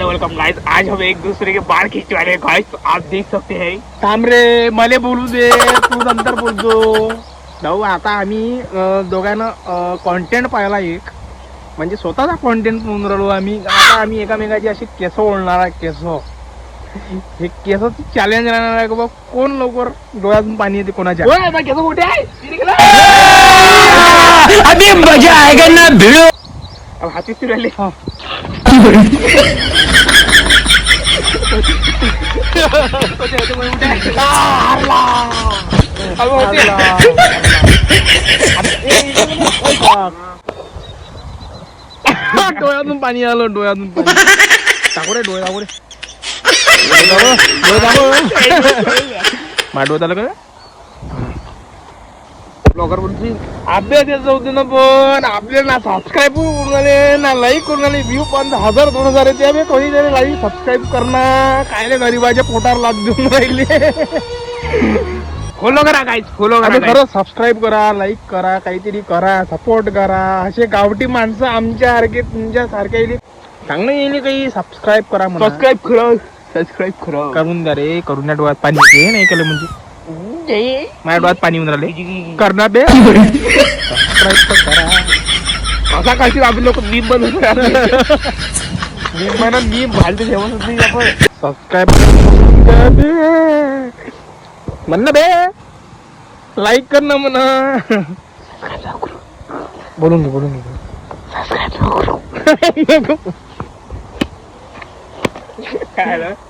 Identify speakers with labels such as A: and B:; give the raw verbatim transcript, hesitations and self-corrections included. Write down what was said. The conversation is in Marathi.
A: Welcome guys. आज हम एक दूसरे के बाल खींचवाने गाइस, आप देख सकते हैं।
B: थांब रे, मले बोलू दे, तू नंतर बोलतो भाऊ. आता आम्ही अं, दोघांना कॉन्टेंट पाहिला एक, म्हणजे स्वतःचा कॉन्टेंट म्हणून राहिलो आम्ही. आता आम्ही एकामेकाची अशी केस ओळणार आहे. केस हे केसाचं चॅलेंज राहणार आहे का बा, कोण लवकर डोळ्यातून पाणी येते कोणाच्या.
A: केस मोठे आहे.
C: अभी मजा आएगा ना भिड़ो.
A: अब हाती सुरू राहिले.
B: डोळ्यातून पाणी आलं, डोळ्यातून पाणी. टाकू रे डोळे, टाकू रे डोळे, टाकू. माझ्या डोळ्यात आलं का ब्लॉगर बोलतील. अभ्यास यायचं होते ना, पण आपले ना सबस्क्राईब करून आले ना लाईक करून आले. व्ह्यू पण हजार दोन हजार येते. आम्ही कोणीतरी लाईक सबस्क्राईब करणार काय रे, गरीबाच्या पोटावर लाद देऊन राहिले.
A: फॉलो करा गाइस, फॉलो
B: आणि
A: करा.
B: खरं सबस्क्राईब करा, लाईक करा, काहीतरी करा, सपोर्ट करा. असे गावठी माणसं आमच्या सारखे तुमच्या सारखे चांगलं येईल काही सबस्क्राईब करा म्हणा.
A: सबस्क्राईब करा, सबस्क्राईब करा.
B: करून द्या रे, करून डोळ्यात पाणी येते. नाही केलं म्हणजे माझ्या डोळ्यात पाणी येऊन राहिले. करणार बे सबस्क्राईब तर करा.
A: असा काशी आपले लोक मीम बनवून मीम म्हणा मीम घालते जेवण नाही आपण.
B: सबस्क्राईब म्हण ना बे, लाईक कर ना म्हणा. बोलून घे, बोलून घे.
A: काय